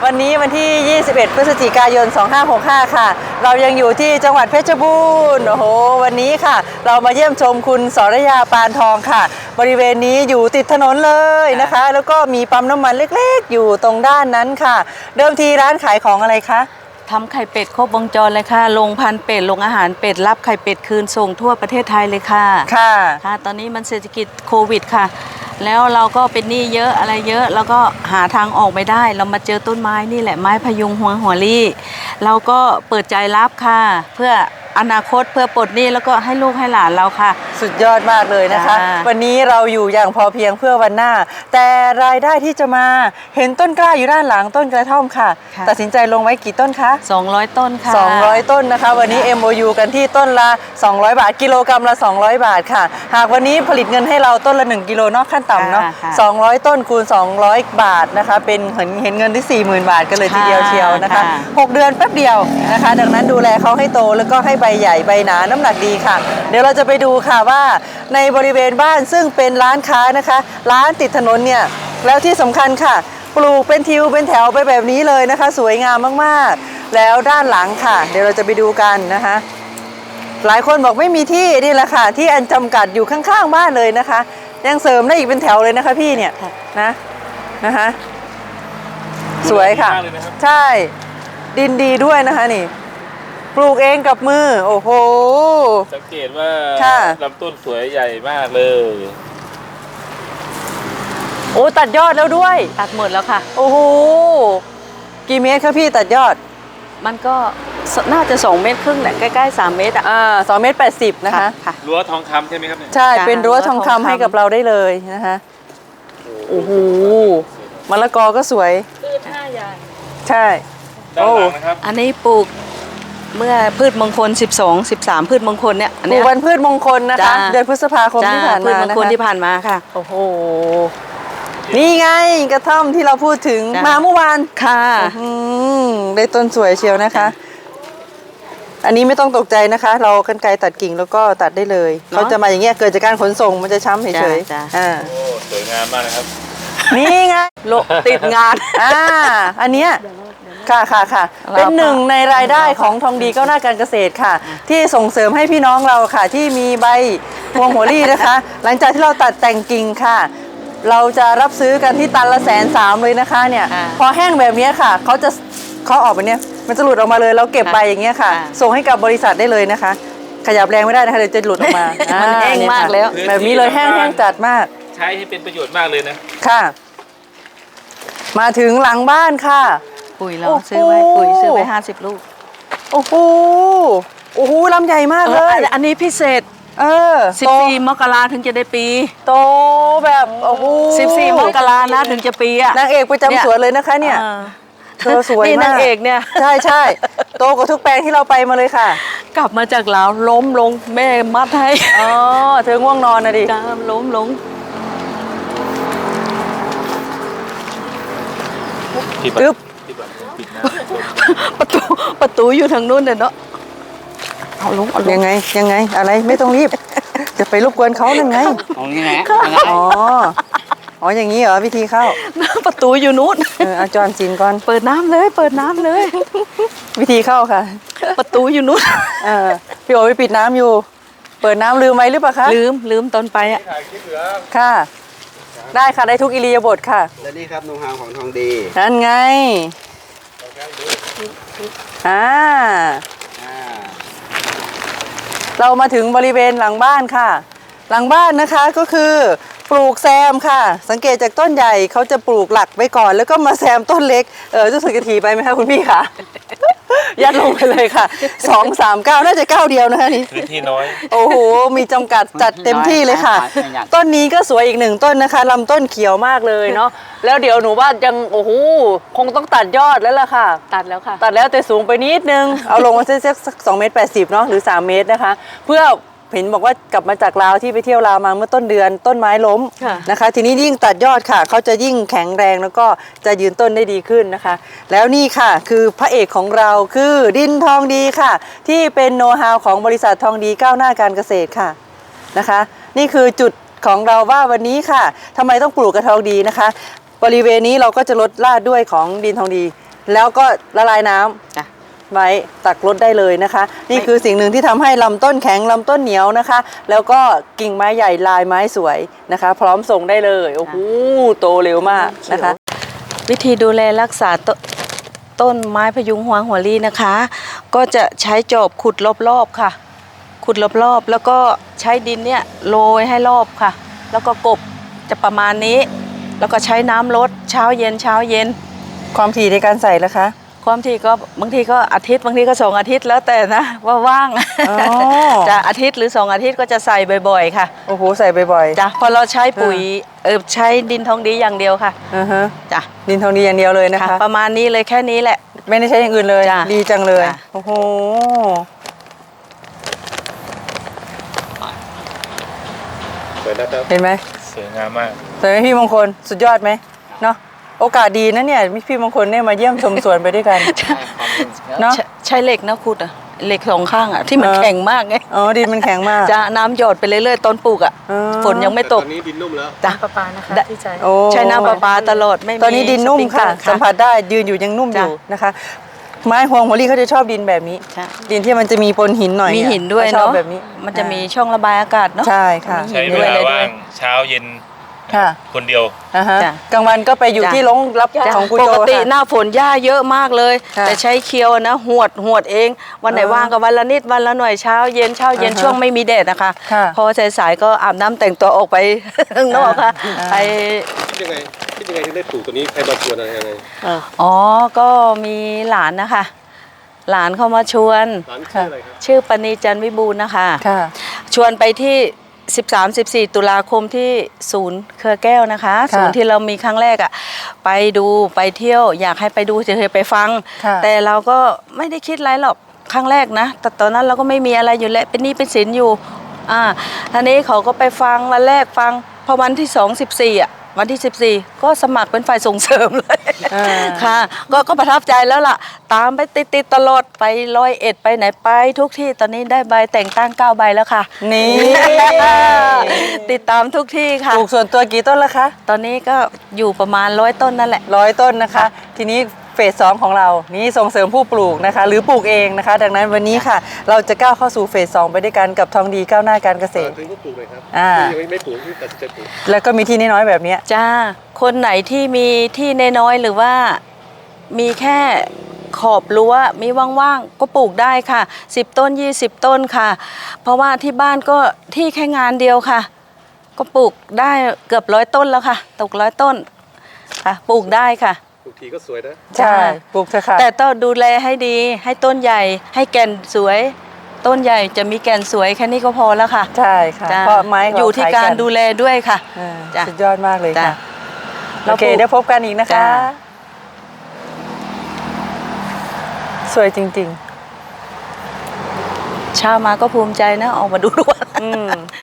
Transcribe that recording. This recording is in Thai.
วันนี้วันที่ 21 พฤศจิกายน 2565 ค่ะ เรายังอยู่ที่จังหวัดเพชรบูรณ์ โอ้โห วันนี้ค่ะ เรามาเยี่ยมชมคุณสรยาปานทองค่ะ บริเวณนี้อยู่ติดถนนเลยนะคะ แล้วก็มีปั๊มน้ำมันเล็กๆ อยู่ตรงด้านนั้นค่ะ เดิมทีร้านขายของอะไรคะทำไข่เป็ดครบวงจรเลยค่ะลงพันเป็ดลงอาหารเป็ดรับไข่เป็ดคืนส่งทั่วประเทศไทยเลยค่ะค่ะตอนนี้มันเศรษฐกิจโควิดค่ะแล้วเราก็เป็นหนี้เยอะอะไรเยอะแล้วก็หาทางออกไม่ได้เรามาเจอต้นไม้นี่แหละไม้พยุงหัวลี่เราก็เปิดใจรับค่ะเพื่ออนาคตเพื่อปลดหนี้แล้วก็ให้ลูกให้หลานเราค่ะสุดยอดมากเลยนะคะวันนี้เราอยู่อย่างพอเพียงเพื่อวันหน้าแต่รายได้ที่จะมาเห็นต้นกล้าอยู่ด้านหลังต้นกระท่อมค่ะตัดสินใจลงไว้กี่ต้นคะ 200ต้นค่ะ 200ต้นนะคะวันนี้ MOU กันที่ต้นละ200บาทกิโลกรัมละ200บาทค่ะหากวันนี้ผลิตเงินให้เราต้นละ1กิโลเนาะขั้นต่ำเนาะ200ต้นคูณ200บาทนะคะเป็นเห็นเงินที่ 40,000 บาทกันเลยทีเดียวเชียวนะคะ6เดือนแป๊บเดียวนะคะดังนั้นดูแลเขาให้โตแล้วก็ให้ใบใหญ่ใบหนาน้ำหนักดีค่ะเดี๋ยวเราจะไปดูค่ะว่าในบริเวณบ้านซึ่งเป็นร้านค้านะคะร้านติดถนนเนี่ยแล้วที่สำคัญค่ะปลูกเป็นทิวเป็นแถวไปแบบนี้เลยนะคะสวยงามมากๆแล้วด้านหลังค่ะเดี๋ยวเราจะไปดูกันนะคะหลายคนบอกไม่มีที่นี่แหละค่ะที่อันจำกัดอยู่ข้างๆบ้านเลยนะคะยังเสริมได้อีกเป็นแถวเลยนะคะพี่เนี่ยนะคะสวยค่ะใช่ดินดีด้วยนะคะนี่ปลูกเองกับมือโอ้โหสังเกตว่าลำต้นสวยใหญ่มากเลยโอ้ตัดยอดแล้วด้วยตัดหมดแล้วค่ะโอ้โหกี่เมตรคะพี่ตัดยอดมันก็น่าจะ2 เมตรครึ่งแหละใกล้ๆ3 เมตร 2 เมตร 80นะคะรั้วทองคำใช่ไหมครับเนี่ยใช่เป็นรั้วทองคำให้กับเราได้เลยนะคะโอ้โหมะละกอก็สวยพืช5 อย่างใช่ด้านหลังนะครับอันนี้ปลูกเมื่อพืชมงคล12-13พืชมงคลเนี่ยปลูกวันพืชมงคลนะคะเดือนพฤษภาคมที่ผ่านมาพืชมงคลที่ผ่านมาค่ะโอ้โหนี่ไงกระท่อมที่เราพูดถึงมาเมื่อวานค่ะได้ต้นสวยเชียวนะคะอันนี้ไม่ต้องตกใจนะคะเรากรรไกรตัดกิ่งแล้วก็ตัดได้เลยเขาจะมาอย่างเงี้ยเกิดจากการขนส่งมันจะช้ำเฉยๆโอ้สวยงามมากนะครับนี่ไงติดงานอันเนี้ยค่ะเป็นหนึ่งในรายได้ของทองดีก้าวหน้าการเกษตรค่ะที่ส่งเสริมให้พี่น้องเราค่ะที่มีใบพวงหัวลี่นะคะหลังจากที่เราตัดแต่งกิ่งค่ะเราจะรับซื้อกันที่ตันละ130,000เลยนะคะเนี่ยพอแห้งแบบนี้ค่ะเขาออกแบบนี้มันจะหลุดออกมาเลยแล้วเก็บใบอย่างเงี้ยค่ะส่งให้กับบริษัทได้เลยนะคะขยับแรงไม่ได้นะคะเดี๋ยวจะหลุดออกมามันแห้งมากแล้วแบบนี้เลยแห้งจัดมากใช้ให้เป็นประโยชน์มากเลยนะค่ะมาถึงหลังบ้านค่ะปุ๋ยเราซื้อไว้50 ลูกโอ้โหลำใหญ่มากเลยอันนี้พิเศษ14 มกราถึงจะได้ปีโตแบบโอ้โห 14 มกรานะถึงจะปีอะนางเอกประจำสวนเลยนะคะเนี่ยเธอสวยมากนี่นางเอกเนี่ยใช่โตกว่าทุกแปลงที่เราไปมาเลยค่ะกลับมาจากลาวล้มลงแม่มัดให้เธอง่วงนอนนะดิล้มลงจึ๊บประตูอยู่ทางนู้นเนาะเอาลงยังไงอะไรไม่ต้องรีบจะไปรบกวนเขานั่นไงอ๋ออย่างนี้เหรอวิธีเข้าประตูอยู่นู้นเอาจอนจินก่อนเปิดน้ำเลยวิธีเข้าค่ะประตูอยู่นู้นพี่โอ๋ไปปิดน้ำอยู่เปิดน้ำลืมไว้หรือเปล่าคะลืมตอนไปอ่ะค่ะได้ค่ะได้ทุกอิริยาบถค่ะและนี่ครับโน้ตฮาวของทองดีนั่นไงเรามาถึงบริเวณหลังบ้านค่ะหลังบ้านนะคะก็คือปลูกแซมค่ะสังเกตจากต้นใหญ่เขาจะปลูกหลักไว้ก่อนแล้วก็มาแซมต้นเล็กจะสึกจะถี่ไปไหมคะคุณพี่คะยัดลงไปเลยค่ะ2-3 ก้าวน่าจะก้าวเดียวนะคะนี่พื้นที่น้อยโอ้โหมีจำกัดจัดเต็มที่เลยค่ะต้นนี้ก็สวยอีก1 ต้นนะคะลำต้นเขียวมากเลยเนาะแล้วเดี๋ยวหนูว่ายังโอ้โหคงต้องตัดยอดแล้วล่ะค่ะตัดแล้วแต่สูงไปนิดนึงเอาลงมาสัก2.80 เมตรเนาะหรือ3 เมตรนะคะเพื่อเห็นบอกว่ากลับมาจากลาวที่ไปเที่ยวลาวมาเมื่อต้นเดือนต้นไม้ล้มนะคะทีนี้ยิ่งตัดยอดค่ะเขาจะยิ่งแข็งแรงแล้วก็จะยืนต้นได้ดีขึ้นนะคะแล้วนี่ค่ะคือพระเอกของเราคือดินทองดีค่ะที่เป็นโน้ตฮาวของบริษัททองดีก้าวหน้าการเกษตรค่ะนะคะนี่คือจุดของเราว่าวันนี้ค่ะทำไมต้องปลูกกระทองดีนะคะบริเวณนี้เราก็จะลดลาดด้วยของดินทองดีแล้วก็ละลายน้ำจ้ะไว้ตักรดได้เลยนะคะ นี่คือสิ่งหนึ่งที่ทำให้ลำต้นแข็งลำต้นเหนียวนะคะ แล้วก็กิ่งไม้ใหญ่ลายไม้สวยนะคะ พร้อมส่งได้เลยโอ้โหโตเร็วมากนะคะวิธีดูแลรักษาต้นไม้พยุงหัวลี่นะคะ ก็จะใช้จอบขุดรอบๆค่ะ ขุดรอบๆแล้วก็ใช้ดินเนี่ยโรยให้รอบค่ะ แล้วก็กบจะประมาณนี้ แล้วก็ใช้น้ำลดเช้าเย็นเช้าเย็นความถี่ในการใส่ละคะความถี่ก็บางทีก็อาทิตย์บางทีก็2 อาทิตย์แล้วแต่นะว่าว่างอ๋อจะอาทิตย์หรือ2 อาทิตย์ก็จะใส่บ่อยๆค่ะโอ้โหใส่บ่อยจ้ะพอเราใช้ปุ๋ยใช้ดินทองดีอย่างเดียวค่ะๆอือฮะจ้ะดินทองดีอย่างเดียวเลยนะคะประมาณนี้เลยแค่นี้แหละไม่ได้ใช้อย่างอื่นเลยจ้ะดีจังเลยจ้ะโอ้โหสวยนะครับเห็นไหมสวยงามมากสวยไหมพี่มงคลสุดยอดไหมเนาะโอกาสดีนะเนี่ยพี่มงคลเนี่ยมาเยี่ยมชมสวนไปด้วยกันเนาะใช้เหล็กนะขุดอะเหล็ก2 ข้างอะที่มันแข็งมากไงอ๋อดินมันแข็งมากจะน้ำหยดไปเรื่อยๆตอนปลูกอะอ๋อฝนยังไม่ตกตอนนี้ดินนุ่มแล้วจ้ะประปานะคะที่ใช้โอ้ใช้น้ำประปาตลอดไม่มีตอนนี้ดินนุ่มค่ะสปริงเกอร์สัมผัสได้ยืนอยู่ยังนุ่มอยู่จ้ะนะคะ ไม้ฮวงหัวลี่เขาจะชอบดินแบบนี้ใช่ดินที่มันจะมีปนหินหน่อยมีหินด้วยขชอบเนาะแบบนี้มันจะมีช่องระบายอากาศเนาะใช่ค่ะมีหิใช้นเวด้วยลาอะไรด้ว่าวยงเช้าเย็นค่ะคนเดียวอ่าฮะจ้ะกลางวันก็ไปอยู่จ้ะที่โรงรับจ้ะของคุณปโจกติค่ะหน้าฝนหญ้าเยอะมากเลยค่ะแต่ใช้เคียวนะหวดเอง วันไหนอ๋อว่างก็วันละนิดวันละหน่อยเช้าเย็นอ่าฮะช่วงไม่มีแดดนะคะค่ะพอสายๆก็อาบน้ำแต่งตัวออกไป ข้างนอกค่ะอ่าไปคิดยังไงถึงได้ปลูกตัวนี้ใครมาชวนอะไรยังไงอ๋อก็มีหลานนะคะ หลานเข้ามาชวนร้านชื่ออะไรครับชื่อปณีจันทร์วิบูลย์นะคะค่ะชวนไปที่ 13-14 ตุลาคมที่ศูนย์เครือแก้วนะคะค่ะศูนย์ที่เรามีครั้งแรกอ่ะไปดูไปเที่ยวอยากให้ไปดูเฉยๆไปฟังค่ะแต่เราก็ไม่ได้คิดอะไรหรอกครั้งแรกนะแต่ตอนนั้นเราก็ไม่มีอะไรอยู่แล้วเป็นหนี้เป็นสินอยู่ทีนี้เขาก็ไปฟังวันแรกฟังพอวันที่2 14วันที่ 14 ก็สมัครเป็นฝ่ายส่งเสริมเลยอ่าค่ะก็ประทับใจแล้วล่ะ ตามไปติดตลอดไป101ไปไหนไปทุกที่ตอนนี้ได้ใบแต่งตั้ง9 ใบแล้วค่ะนี่ติดตามทุกที่ค่ะปลูกส่วนตัวกี่ต้นละคะตอนนี้ก็อยู่ประมาณ100 ต้นนั่นแหละ 100 ต้นนะคะ ทีนี้เฟส 2 ของเรานี่ส่งเสริมผู้ปลูกนะคะ หรือปลูกเองนะคะ ดังนั้นวันนี้ค่ะ เราจะก้าวเข้าสู่เฟส 2 ไปด้วยกันกับทองดีก้าวหน้าการเกษตรถึงก็ปลูกเลยครับอ่าที่ยังไม่ปลูกที่ตัดสินใจปลูกแล้วก็มีที่น้อยๆแบบเนี้ยจ้า คนไหนที่มีที่น้อยๆหรือว่ามีแค่ขอบรั้วมีว่างๆก็ปลูกได้ค่ะ10 ต้น 20 ต้นค่ะ เพราะว่าที่บ้านก็ที่แค่งานเดียวค่ะ ก็ปลูกได้เกือบ100 ต้นแล้วค่ะตก100 ต้นค่ะปลูกได้ค่ะปลูกทีก็สวยนะใช่ปลูกเถอะค่ะแต่ต้องดูแลให้ดีให้ต้นใหญ่ให้แก่นสวย ต้นใหญ่จะมีแก่นสวยแค่นี้ก็พอแล้วค่ะใช่ค่ะจ้ะเพราะไม้ขงอยู่ที่ขยการนดูแลด้วยค่ะอ่าจ้ะสุดยอดมากเลยจ้ะค่ะเราโอเคปลูกเดี๋ยวพบกันอีกนะคะจ้ะสวยจริงเช้ามาก็ภูมิใจนะออกมาดูทุกวันๆ อืม